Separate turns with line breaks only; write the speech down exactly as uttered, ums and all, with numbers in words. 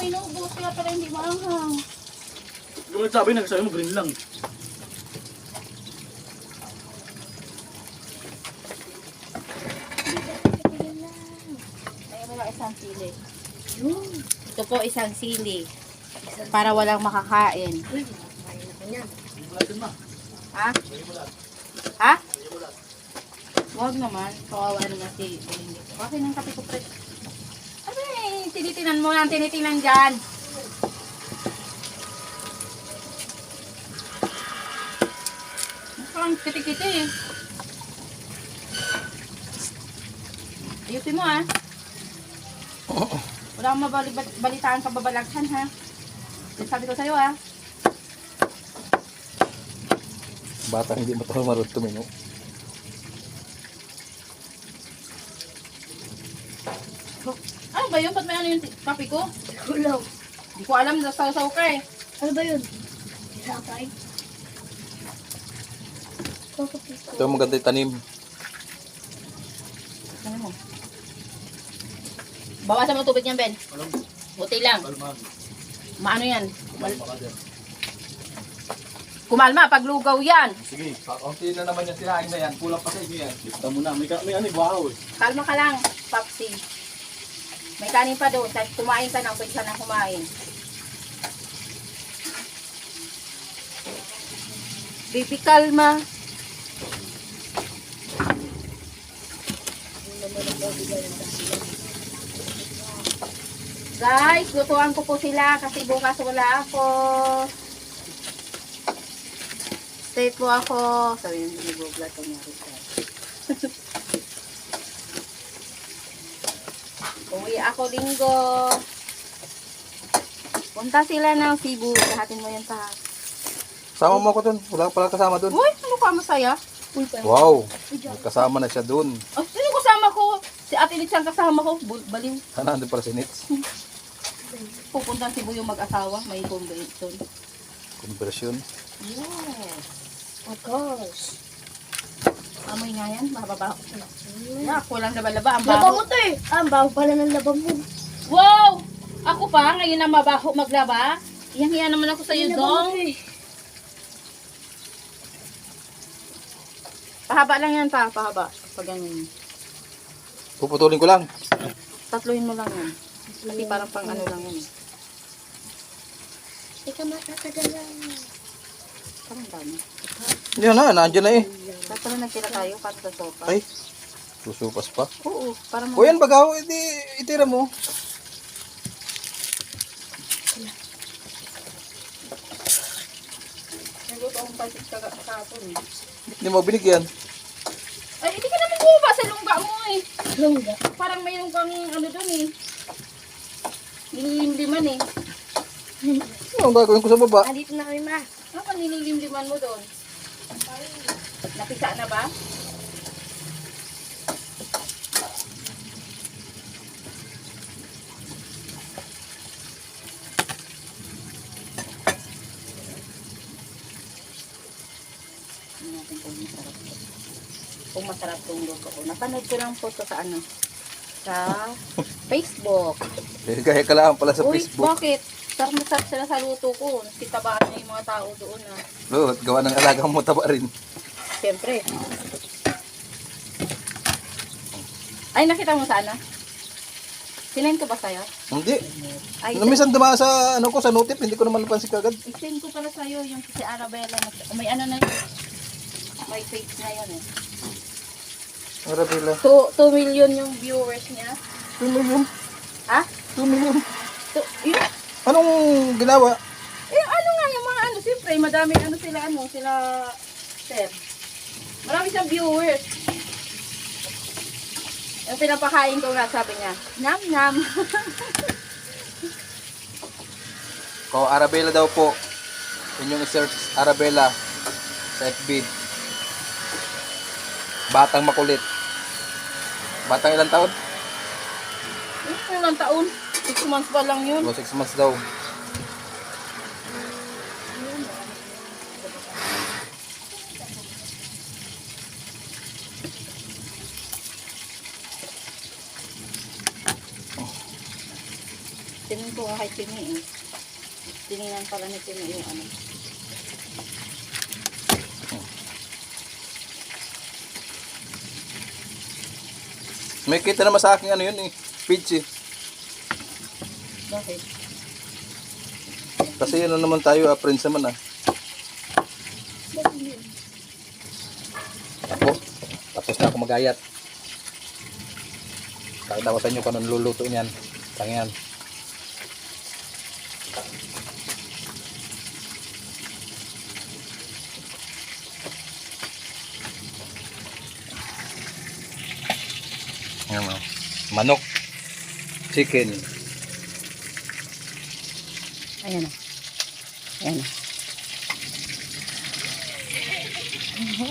inubos, kaya pala hindi maanghang.
Yung nagsabi, nagsabi mo green lang.
Ayun mo lang isang sili. Ito po isang sili. Para walang makakain. Ha? Ha? Huwag naman. Kawawa naman si Belinda. Okay ng kape ko, pre. Ano eh, tinitinan mo lang, tinitinan dyan. Parang kiti-kiti eh. Ayusin mo ah. Wala akong mabalitaan kababalaghan ha. Sabi ko sa'yo ah.
Bata hindi mo ito marunong tumino.
Ano ba yun? Ba't may ano yung kape ko?
Gulaw.
Hindi ko alam, nasaw-saw ka eh.
Ano ba yun? Sakay.
Ito ang maganda yung tanim.
Ano mo? Bawasan mo tubig niyan, Ben.
Alam,
Buti lang.
kalman.
Maano yan?
Kalman pa ka dyan.
Kumalma, paglugaw yan.
Sige,
Kaunti na naman yung sinain na yan. Kulang pa sa inyo yan.
lista mo na. May, ka- may ano, bahaw eh.
Kalma ka lang, Papsi. May kanin pa doon. Kahit kumain ka na, pwede ka na kumain. Baby, kalma. Guys, lutuan ko po sila kasi bukas wala ako. Stay po ako. Sabi yung binibugla ito niya. Uwi ako linggo. Punta sila ng Cebu. Lahatin mo yan pa.
Sama mo ako dun. Wala pala kasama dun.
Uy, ano ka masaya?
Uy, pa.
Wow. May kasama na siya dun.
Oh, sino kasama ko? Si Ate Litz ang kasama ko. Bul- Baliw.
Sana andun pala si Nitz.
Pupunta Cebu yung mag-asawa. May convention.
Conversion.
Yes.
Of course.
Amoy nga yan. Mababaho. Yeah, kulang laba-laba. Ang
Laba mo
baho.
to eh. Ah, ang baho pala ng laba mo.
Wow! Ako pa, ngayon na mabaho maglaba. Iyang-iya naman ako sa'yo,
Laba mo
Dong.
to eh.
Pahaba lang yan pa, pahaba. Pag ganyan.
Puputulin ko lang.
Tatluhin mo lang yan. Kasi parang pang ano lang yan. eh.
Ika matatagalan.
Parang dami.
Yan na, nandiyan na eh.
Tapos pala nagtira tayo para sa sopa.
Ay, susupas pa.
Oo, parang
O yan, bagaw, iti, itira mo.
Naguto akong pasit ka kahapon eh.
Hindi mo binigyan.
Ay, hindi ka naman kuha sa lungga mo eh.
Lungga.
Parang mayroon kang ano doon eh. Nililimliman eh.
Ano ang gagawin ko sa baba?
Ah, dito na kami ma.
Ano ka nililimliman mo doon? Napisa na ba? Tingnan natin kung masarap to. Kung masarap tong luto ko. Napanood ko lang po to sa ano? Sa Facebook.
Eh, gaya ka lang pala sa
Uy,
Facebook.
bakit? Sarap masarap sila sa luto ko. Kitabaan na yung mga tao doon ah.
Oo, at gawa ng alagang mo taba rin.
Siyempre. Ay, nakita mo sana? Sinend ko ba sa'yo?
Hindi.
Ay,
Namisan dumaan sa ano ko sa notif, hindi ko naman napansin kagad.
i-send ko pala sa'yo yung si Arabella. May ano na yun. May page na yun eh.
Arabella.
two million yung viewers niya.
two million.
Ha?
two million.
So, yun.
Anong ginawa?
Eh, ano nga yung mga ano, siyempre, madami ano sila, ano, sila, sir. Marami siyang viewers. Yung pinapakain ko nga, sabi niya, nam nam.
Ko Arabella daw po. Inyong i-search Arabella sa F B. Batang makulit. Batang ilang taon?
Yung ilang taon, six months pa lang yun.
O six months daw.
Tingin ko nga kay Tini eh. Tiningnan pala ni Tini yung ano.
May kita naman sa akin ano yun eh. Page eh.
Bakit?
Kasi ano naman tayo, ah, friends naman ah. Ako, tapos na ako magayat. Pakita ko sa inyo kung anong luluto niyan. Tangyan. Ayan, oh. Manok. Chicken.
Ayan na. Ayan na.